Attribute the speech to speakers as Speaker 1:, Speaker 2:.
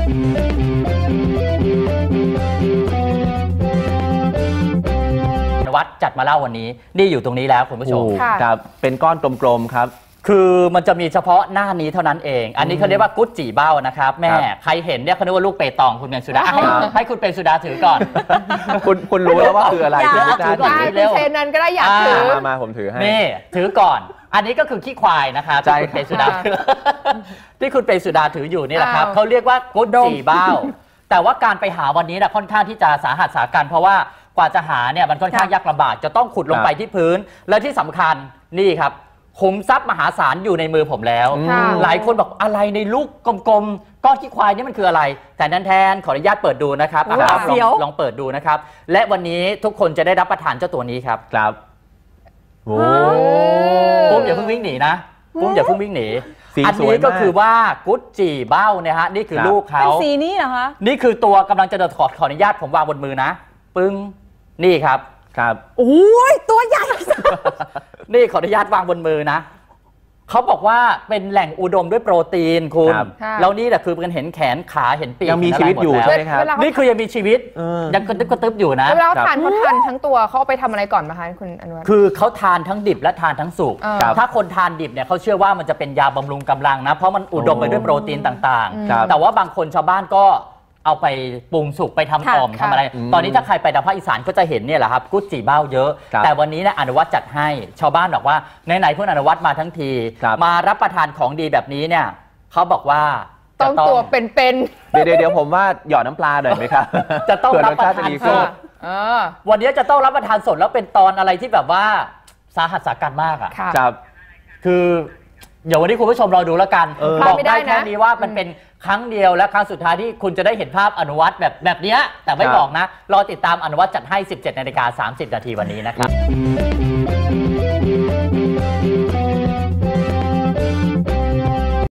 Speaker 1: วัดจัดมาเล่าวันนี้นี่อยู่ตรงนี้แล้วคุณผู้ชม
Speaker 2: ครับเป็นก้อนกลมๆครับ
Speaker 1: คือมันจะมีเฉพาะหน้านี้เท่านั้นเองอันนี้เขาเรียกว่ากุ๊ดจี่เบ้านะครับแม่ใครเห็นเนี่ยเขาเรียกว่าลูกเปตองคุณเมงสุดาให้คุณเปงสุดาถือก่อน
Speaker 2: คุณรู้แล้วว่าคืออะไร
Speaker 3: ถือก่อนเร็วเซนนั้นก็ได้อยากถือ
Speaker 2: มาผมถือให้
Speaker 1: นี่ถือก่อนอันนี้ก็คือขี้ควายนะครับที่คุณเปงสุดาที่คุณเปงสุดาถืออยู่นี่แหละครับเขาเรียกว่ากุ๊ดจี่เบ้าแต่ว่าการไปหาวันนี้นะค่อนข้างที่จะสาหัสสากันเพราะว่ากว่าจะหาเนี่ยมันค่อนข้างยากลำบากจะต้องขุดลงไปที่พื้นและที่สำคัญนี่ครับขุมทรัพย์มหาศาลอยู่ในมือผมแล้วหลายคนบอกอะไรในลูกกลมๆก้อนขี้ควายนี่มันคืออะไรแต่แทนขออนุญาตเปิดดูนะครับลองเปิดดูนะครับและวันนี้ทุกคนจะได้รับประทานเจ้าตัวนี้ครับ
Speaker 2: ครับ
Speaker 1: โอ้ปุ้มอย่าเพิ่งวิ่งหนีนะปุ้มอย่าเพิ่งวิ่งหนีอันนี้ก็คือว่ากุ๊ดจี่เบ้าเนี่ยฮะนี่คือลูกเขา
Speaker 3: เป็นสีนี้เหรอคะ
Speaker 1: นี่คือตัวกำลังจะขออนุญาตผมวางบนมือนะปึ้งนี่ครับ
Speaker 3: โอ้ยตัวใหญ่
Speaker 1: นี่ขออนุญาตวางบนมือนะเขาบอกว่าเป็นแหล่งอุดมด้วยโปรตีนคุณแล้วนี่แหละคือมันเห็นแขนขาเห็นปีก
Speaker 2: ยังมีชีวิตอยู่ใช่ไหมครับ
Speaker 1: นี่คือยังมีชีวิตยังกระตึ๊บอยู่นะ
Speaker 3: แล้วทานเขาทานทั้งตัวเขาเอาไปทำอะไรก่อนมาคะคุณอนุวัฒน์
Speaker 1: คือเขาทานทั้งดิบและทานทั้งสุกถ้าคนทานดิบเนี่ยเขาเชื่อว่ามันจะเป็นยาบำรุงกำลังนะเพราะมันอุดมไปด้วยโปรตีนต่างๆแต่ว่าบางคนชาวบ้านก็เอาไปปรุงสุกไปทำอ่อมทำอะไรตอนนี้ถ้าใครไปทางภาคอีสานก็จะเห็นเนี่ยแหละครับกุ๊ดจี่เบ้าเยอะแต่วันนี้เนี่ยอนุวัฒน์จัดให้ชาวบ้านบอกว่าไหนๆเพื่อนอนุวัฒน์มาทั้งทีมารับประทานของดีแบบนี้เนี่ยเขาบอกว่า
Speaker 3: ต้องตัวเป็น
Speaker 2: เดี๋ยวผมว่าหยอดน้ำปลาหน่อยไหมครับ
Speaker 1: จะต้องรับประทานสดวันนี้จะต้องรับประทานสดแล้วเป็นตอนอะไรที่แบบว่าสาหัสสากันมากอ่ะคือเดี๋ยววันนี้คุณผู้ชมรอดูแล้วกันบอกได้แค่นี้ว่ามันเป็นครั้งเดียวและครั้งสุดท้ายที่คุณจะได้เห็นภาพอนุวัฒน์แบบนี้แต่ไม่บอกนะรอติดตามอนุวัฒน์จัดให้ 17:30 น.วันนี้นะครับ